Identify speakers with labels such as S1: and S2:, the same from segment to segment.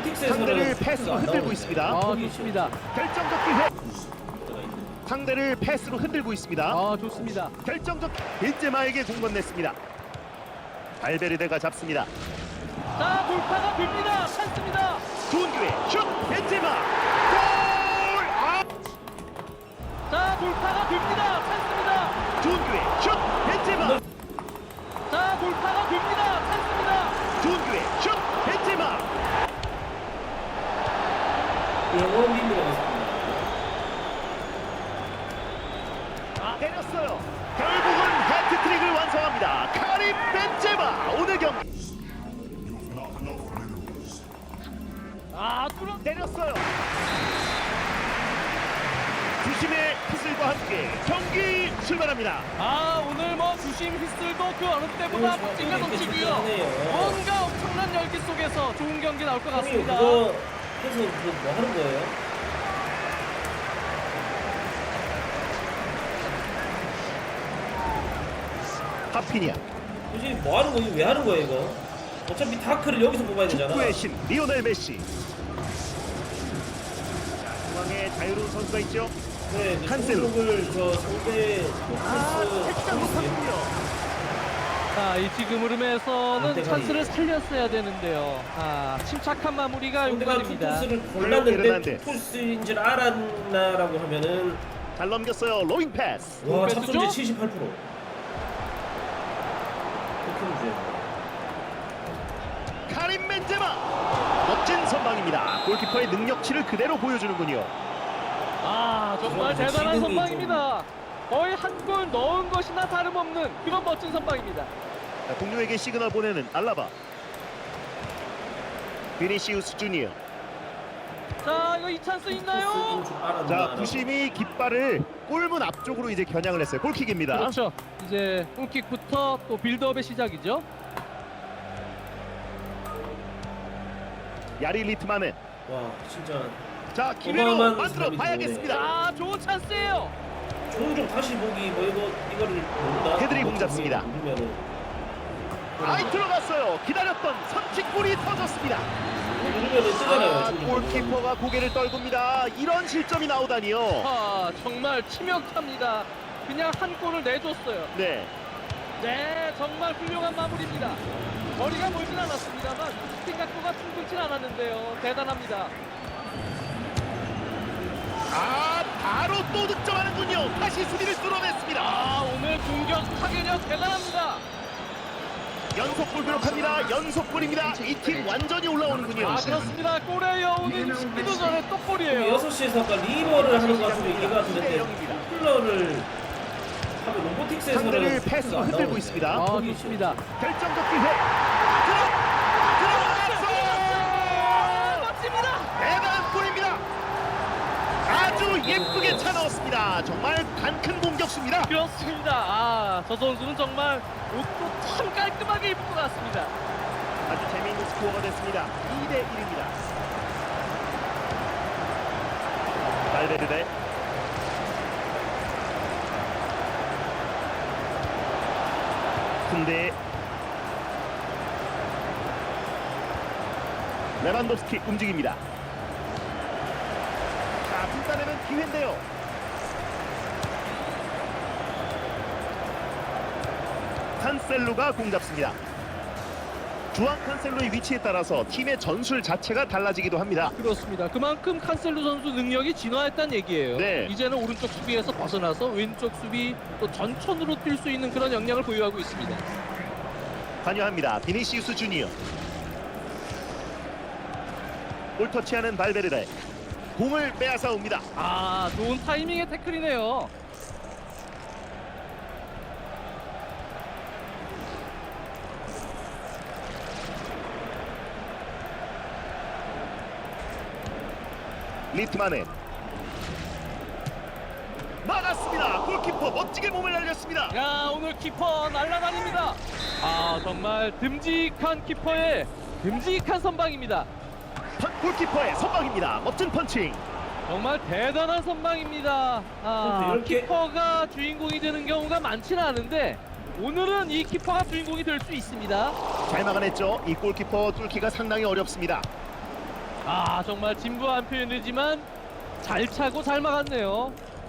S1: 상대를 패스로 흔들고 있습니다.
S2: 좋습니다.
S1: 결정적 기회. 상대를 패스로 흔들고 있습니다.
S2: 좋습니다.
S1: 결정적 벤제마에게 공 건넸습니다. 발베르데가 잡습니다.
S2: 자, 돌파가 됩니다. 찬스입니다.
S1: 좋은 기회. 슛! 벤제마! 골!
S2: 자, 돌파가 됩니다. 찬스입니다.
S1: 좋은 기회. 슛! 벤제마!
S2: 자, 돌파가 됩니다. 찬스입니다.
S1: 좋은 기회. 슛! 벤제마! 때렸어요. 결국은 해트트릭을 완성합니다. 카림 벤제마 오늘 경기 때렸어요. 주심의 휘슬과 함께 경기 출발합니다.
S2: 오늘 주심 휘슬도 그 어느 때보다 멋지게 넘치고요. 뭔가 엄청난 열기 속에서 좋은 경기 나올 것 같습니다.
S3: 그거 해서 뭐 하는 거예요?
S1: 하피니아
S3: 굳이 뭐 하는 거예요? 왜 하는 거예요 이거? 어차피 다크를 여기서 뽑아야 되잖아.
S1: 축구의 신 리오넬 메시. 중앙에 자유로운 선수가 있죠.
S3: 네,
S1: 칸셀로.
S3: 저 상대
S1: 살짝 못하군요.
S2: 자, 이 지금 흐름에서는
S3: 안대가리.
S2: 찬스를 살렸어야 되는데요. 침착한 마무리가
S3: 상대가
S2: 용건입니다.
S3: 투포스를
S1: 이르난데.
S3: 골랐는데 투포스인 줄 알았나라고 하면은
S1: 잘 넘겼어요. 로잉 패스.
S3: 와
S2: 패스죠?
S3: 잡손제 78%. 그렇게 문제.
S1: 카림 벤제마 멋진 선방입니다. 골키퍼의 능력치를 그대로 보여주는군요.
S2: 정말
S3: 그럼
S2: 대단한
S3: 지금이
S2: 선방입니다. 거의 한 골 넣은 것이나 다름없는 그런 멋진 선방입니다.
S1: 자, 동료에게 시그널 보내는 알라바. 비니시우스 주니어.
S2: 자, 이거 이 찬스 있나요?
S1: 자, 부심이 깃발을 골문 앞쪽으로 이제 겨냥을 했어요. 골킥입니다.
S2: 그렇죠. 이제 골킥부터 또 빌드업의 시작이죠.
S1: 야리 리트마넨.
S3: 와 진짜
S1: 자, 기회로
S3: 어마어마한
S1: 만들어
S3: 사람이
S1: 봐야겠습니다.
S2: 좋은 찬스예요.
S3: 종종 다시 보기 뭐 이거를 모른다.
S1: 헤드리 공 잡습니다.
S3: 누르면은
S1: 아이 들어갔어요. 기다렸던 선취골이 터졌습니다.
S3: 누르면은 뜨잖아요. 종종.
S1: 골키퍼가 고개를 떨굽니다. 이런 실점이 나오다니요.
S2: 정말 치명타입니다. 그냥 한 골을 내줬어요.
S1: 네.
S2: 네, 정말 훌륭한 마무리입니다. 거리가 멀진 않았습니다만 슈팅 각도가 충분치 않았는데요. 대단합니다.
S1: 바로 또 득점하는군요. 다시 수비를 뚫어냈습니다.
S2: 오늘 공격 타격력 대단합니다.
S1: 연속골 기록합니다. 연속골입니다. 이 팀 완전히 올라오는군요.
S2: 그렇습니다. 골의 여운이 식기도 전에 또 골이에요.
S3: 6시에서 아까 리버를 하는 것 같은데 얘기가
S1: 네,
S3: 같은데
S1: 영입니다.
S3: 쿨러를 하면 로보틱스에서는
S1: 상대를 패스로 흔들고 있습니다.
S2: 좋습니다.
S1: 결정적 기회. 들어갔어요.
S2: 멋집니다.
S1: 대단한 골입니다. 아주 예쁘게 차 넣었습니다. 정말 단큰 공격수입니다.
S2: 그렇습니다. 저 선수는 정말 옷도 참 깔끔하게 입을 것 같습니다.
S1: 아주 재미있는 스코어가 됐습니다. 2대 1입니다. 발베르데. 군대. 레반도프스키 움직입니다. 자, 불타내는 기회인데요. 칸셀루가 공 잡습니다. 주앙 칸셀루의 위치에 따라서 팀의 전술 자체가 달라지기도 합니다.
S2: 그렇습니다. 그만큼 칸셀루 선수 능력이 진화했다는 얘기예요.
S1: 네.
S2: 이제는 오른쪽 수비에서 벗어나서 왼쪽 수비 또 전천으로 뛸 수 있는 그런 역량을 보유하고 있습니다.
S1: 관여합니다. 비니시우스 주니어. 볼 터치하는 발베르데. 공을 빼앗아 옵니다.
S2: 좋은 타이밍의 태클이네요.
S1: 리트마넨. 막았습니다. 골키퍼 멋지게 몸을 날렸습니다.
S2: 오늘 키퍼 날아다닙니다. 정말 듬직한 키퍼의 듬직한 선방입니다.
S1: 골키퍼의 선방입니다. 멋진 펀칭.
S2: 정말 대단한 선방입니다.
S3: 이렇게-
S2: 키퍼가 주인공이 되는 경우가 많지는 않은데 오늘은 이 키퍼가 주인공이 될 수 있습니다.
S1: 잘 막아냈죠. 이 골키퍼 뚫기가 상당히 어렵습니다.
S2: 아, 정말 진부한 표현이지만 잘 차고 잘 막았네요.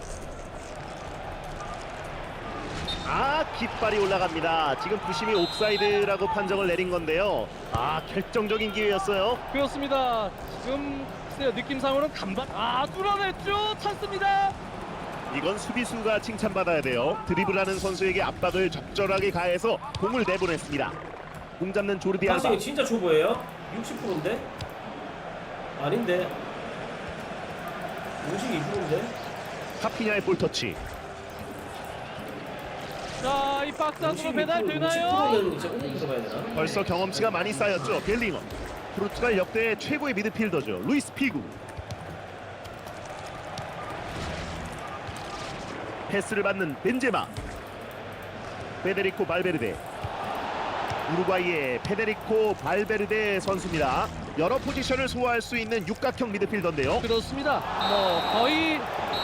S1: 깃발이 올라갑니다. 지금 부심이 옵사이드라고 판정을 내린 건데요. 결정적인 기회였어요.
S2: 그렇습니다. 지금 글쎄요, 느낌상으로는 간발. 뚫어냈죠. 찬스입니다.
S1: 이건 수비수가 칭찬받아야 돼요. 드리블하는 선수에게 압박을 적절하게 가해서 공을 내보냈습니다. 공 잡는 조르디 알바.
S3: 박싱이 진짜 초보예요? 60%인데? 아닌데 52%인데?
S1: 카피냐의 볼터치.
S2: 자, 이 박스 안으로 배달 되나요?
S3: 60%면 이제 5% 들어가야 되나?
S1: 벌써 경험치가 많이 쌓였죠. 벨링엄. 포르투갈 역대 최고의 미드필더죠. 루이스 피구. 패스를 받는 벤제마. 페데리코 발베르데. 우루과이의 페데리코 발베르데 선수입니다. 여러 포지션을 소화할 수 있는 육각형 미드필더인데요.
S2: 그렇습니다. 거의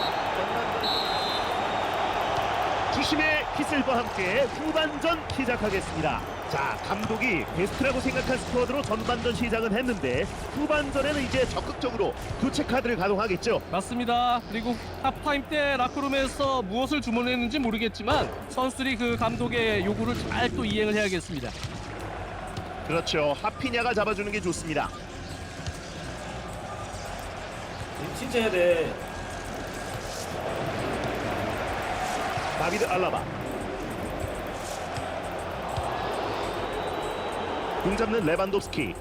S1: 주심의 휘슬과 함께 후반전 시작하겠습니다. 자, 감독이 베스트라고 생각한 스쿼드로 전반전 시작은 했는데 후반전에는 이제 적극적으로 교체 카드를 가동하겠죠.
S2: 맞습니다. 그리고 하프타임 때 라크룸에서 무엇을 주문했는지 모르겠지만 선수들이 그 감독의 요구를 잘 또 이행을 해야겠습니다.
S1: 그렇죠. 하피냐가 잡아주는 게 좋습니다.
S3: 진짜 해야 돼.
S1: 다비드 알라바. 공 잡는 레반도프스키.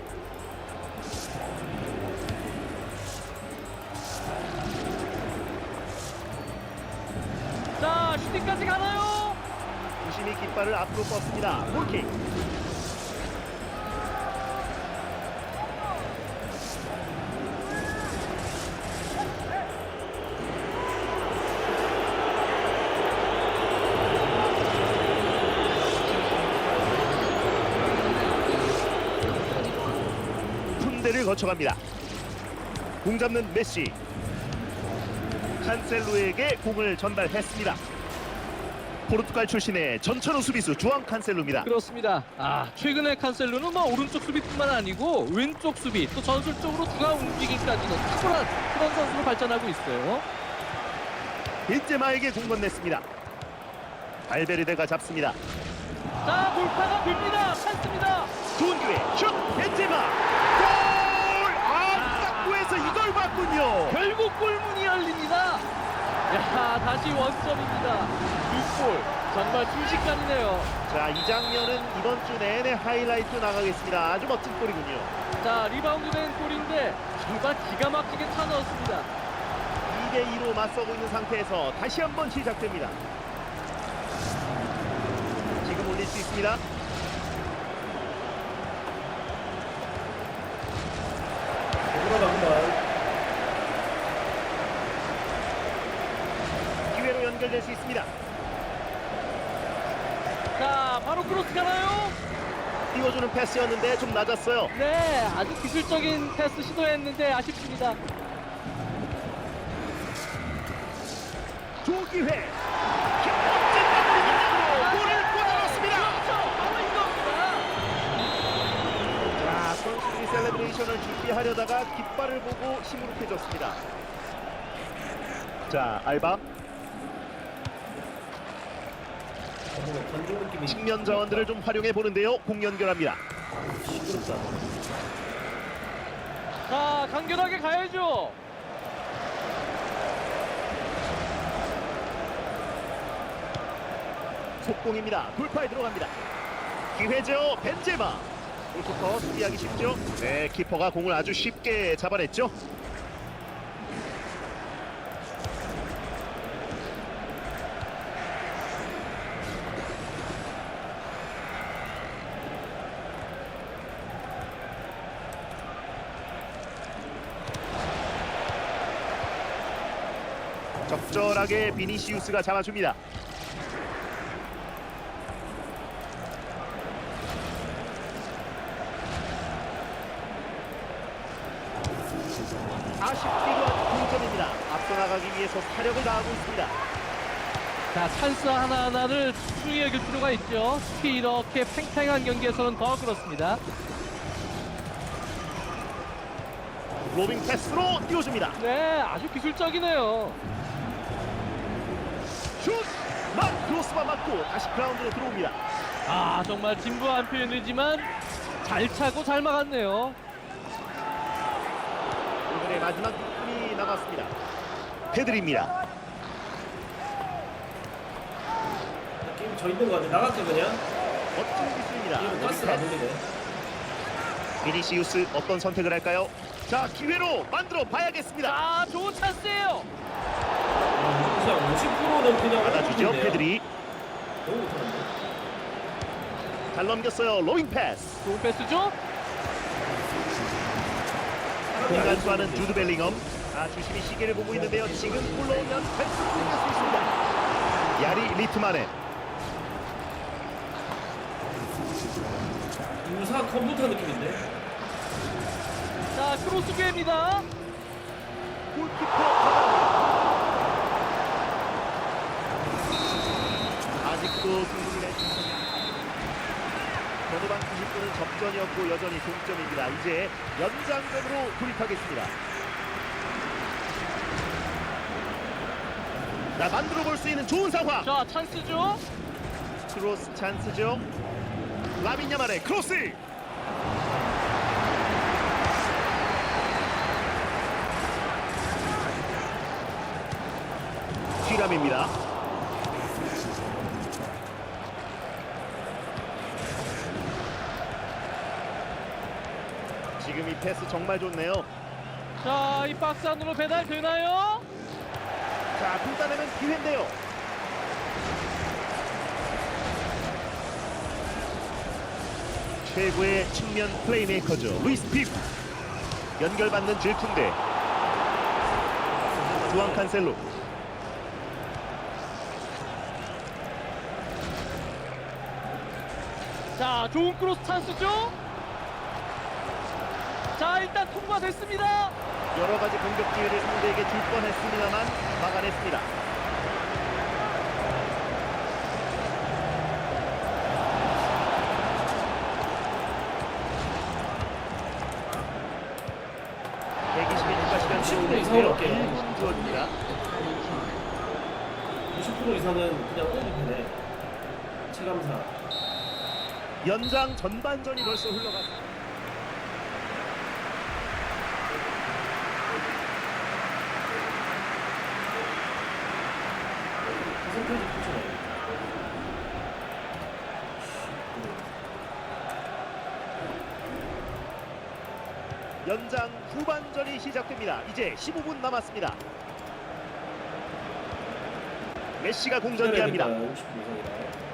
S2: 자, 슈팅까지 가나요?
S1: 주심이 깃발을 앞으로 뻗습니다. 골킥. 푼데를 거쳐갑니다. 공 잡는 메시. 칸셀루에게 공을 전달했습니다. 포르투갈 출신의 전천후 수비수 주앙 칸셀루입니다.
S2: 그렇습니다. 최근에 칸셀루는 오른쪽 수비뿐만 아니고 왼쪽 수비 또 전술적으로 중앙 움직임까지도 탁월한 그런 선수로 발전하고 있어요.
S1: 벤제마에게 공 건넸습니다. 발베르데가 잡습니다.
S2: 자, 돌파가 됩니다. 찬스입니다.
S1: 좋은 기회 슛 벤제마 골! 탁구에서 이걸 봤군요.
S2: 결국 골문이 열립니다. 야, 다시 원점입니다. 6골. 정말 순식간이네요.
S1: 자, 이 장면은 이번 주 내내 하이라이트 나가겠습니다. 아주 멋진 골이군요.
S2: 자, 리바운드 된 골인데 정말 기가 막히게 차 넣었습니다.
S1: 2대2로 맞서고 있는 상태에서 다시 한번 시작됩니다. 지금 올릴 수 있습니다. 기회로 연결될 수 있습니다.
S2: 자, 바로 크로스 가나요?
S1: 띄워주는 패스였는데 좀 낮았어요.
S2: 네, 아주 기술적인 패스 시도했는데 아쉽습니다.
S1: 조기회 멋진 마무리로 골을 꽂아넣습니다.
S2: 그렇죠, 바로 이겁니다.
S1: 자, 선수들이 셀레브레이션을 준비하려다가 깃발을 보고 시무룩해졌습니다. 자, 알바 측면 자원들을 좀 활용해 보는데요. 공 연결합니다.
S3: 시끄럽다.
S2: 자, 간결하게 가야죠.
S1: 속공입니다. 돌파에 들어갑니다. 기회죠. 벤제마. 골키퍼 수비하기 쉽죠. 네, 키퍼가 공을 아주 쉽게 잡아냈죠. 적절하게 비니시우스가 잡아줍니다. 아쉽기도 한 동점입니다. 앞서 나가기 위해서 사력을 다하고 있습니다.
S2: 자, 찬스 하나하나를 소중히 여길 필요가 있죠. 특히 이렇게 팽팽한 경기에서는 더 그렇습니다.
S1: 로빙 패스로 띄워줍니다.
S2: 네, 아주 기술적이네요.
S1: 슛! 막 크로스바 맞고 다시 그라운드로 들어옵니다.
S2: 아, 정말 진부한 표현이지만 잘 차고 잘 막았네요.
S1: 오늘의 마지막 분이 남았습니다. 페드리입니다.
S3: 게임 저 있는 거 같아. 나갈게 그냥.
S1: 멋진 기술입니다.
S3: 이거 가스가 안 돌리네.
S1: 비니시우스 어떤 선택을 할까요? 자, 기회로 만들어 봐야겠습니다.
S2: 아, 좋은 찬스예요.
S3: 그냥 50%는 그냥
S1: 받아주죠,
S3: 오픈인데요.
S1: 페드리.
S3: 너무 못하는데.
S1: 잘 넘겼어요. 로빙 패스.
S2: 좋은 패스죠?
S1: 공간 수하는 주드 벨링엄. 아, 주심이 시계를 보고 있는데요. 지금 골로 오면 패스 풀릴 수 있습니다. 야리 리트만의
S3: 유사 컴퓨터 느낌인데.
S2: 자, 크로스 기회입니다.
S1: 골키퍼 받아옵니다. 아직도 승부를 내주습니다. 전후반 90분은 접전이었고 여전히 동점입니다. 이제 연장전으로 돌입하겠습니다. 자, 만들어 볼 수 있는 좋은 상황.
S2: 자, 찬스죠?
S1: 크로스 찬스죠. 라빈 야말의 크로스. 휘람입니다. 지금 이 패스 정말 좋네요.
S2: 자, 이 박스 안으로 배달 되나요?
S1: 자, 굴다내면 기회인데요. 최고의 측면 플레이메이커죠. 루이스 피구. 연결받는 질풍대. 주앙 칸셀로.
S2: 자, 좋은 크로스 찬스죠? 자, 일단 통과됐습니다.
S1: 여러 가지 공격 기회를 상대에게 줄 뻔했습니다만 막아냈습니다.
S3: 이상으로 할게요.
S1: 1분 주어집니다.
S3: 90% 이상은 그냥 오픈이네. 체감사.
S1: 연장 전반전이 벌써 흘러갔습니다.
S3: 퍼센테이지 붙여놔요.
S1: 연장 후반전이 시작됩니다. 이제 15분 남았습니다. 메시가 공전기합니다.
S3: 60% 이상이라.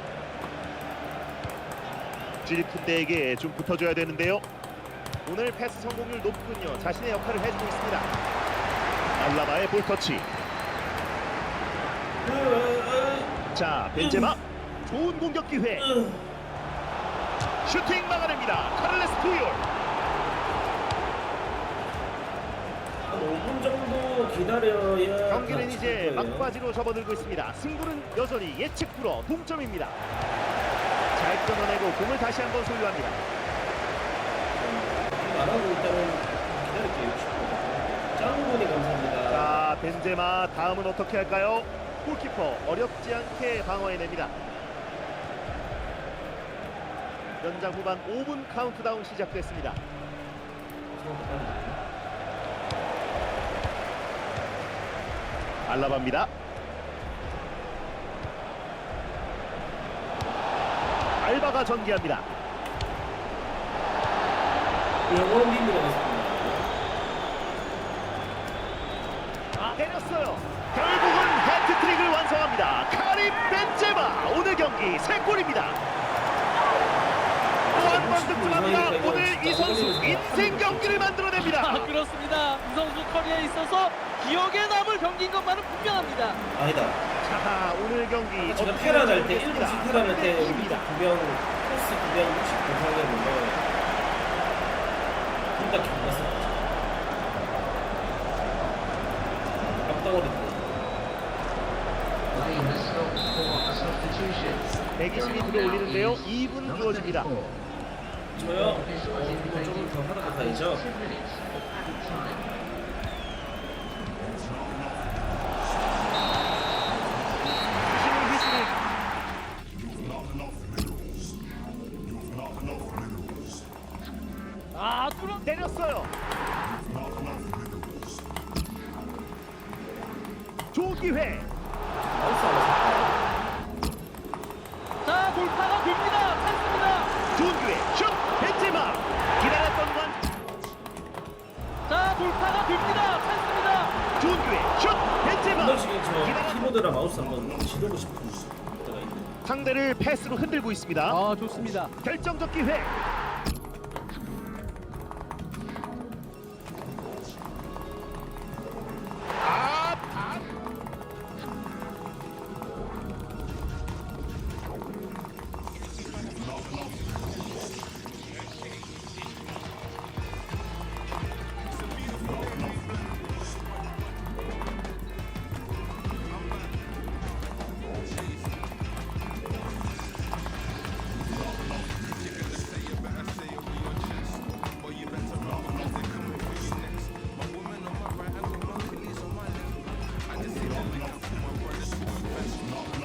S1: 질푼대에게 좀 붙어줘야 되는데요. 오늘 패스 성공률 높군요. 자신의 역할을 해주고 있습니다. 알라바의 볼터치. 자, 벤제마. 좋은 공격 기회. 슈팅 막아냅니다. 카를레스 푸이올.
S3: 한 5분 정도 기다려야
S1: 경기는
S3: 다
S1: 이제
S3: 칠 거예요.
S1: 막바지로 접어들고 있습니다. 승부는 여전히 예측 불허 동점입니다. 잘 끊어내고 공을 다시 한번 소유합니다.
S3: 안 하고 일단은 기다릴게요. 60분. 짱분이 감사합니다.
S1: 자, 벤제마 다음은 어떻게 할까요? 골키퍼 어렵지 않게 방어해냅니다. 연장 후반 5분 카운트다운 시작됐습니다. 알라바입니다. 알바가 전개합니다.
S3: 영원 림으로 갔습니다.
S1: 때렸어요. 결국은 해트트릭을 완성합니다. 카림 벤제마 오늘 경기 3골입니다. 또 한 번 득점합니다. 오늘 이 선수 인생 경기를 만들어냅니다.
S2: 아, 그렇습니다. 이 선수 커리어에 있어서 기억에 남을 경기인 것만은 분명합니다.
S3: 아니다.
S1: 자, 오늘 경기
S3: 제가 테란 할 때, 1분 테란 할 때 우리 2병, 코스 2병 60 보상이었는데 둘다 경났어. 앞덩어리
S1: 120이 들어올리는데요. 2분 주어집니다.
S3: 저요? 이거 좀 더 하다가 가야죠.
S1: 힘을 휘두르
S2: 아, 뚫어.
S1: 때렸어요. 좋은 기회.
S3: 나이스 하나
S2: 자, 돌파가 됩니다. 찬스입니다.
S1: 좋은 기회. 슛. 벤제마. 기다렸던 건
S2: 자, 돌파가 됩니다. 찬스입니다.
S1: 좋은 기회. 슛.
S3: 한
S1: 벤제마.
S3: 번씩 저 키보드랑 마우스 한번 지르고 싶은 때가 있네.
S1: 상대를 패스로 흔들고 있습니다.
S2: 아, 좋습니다.
S1: 결정적 기회.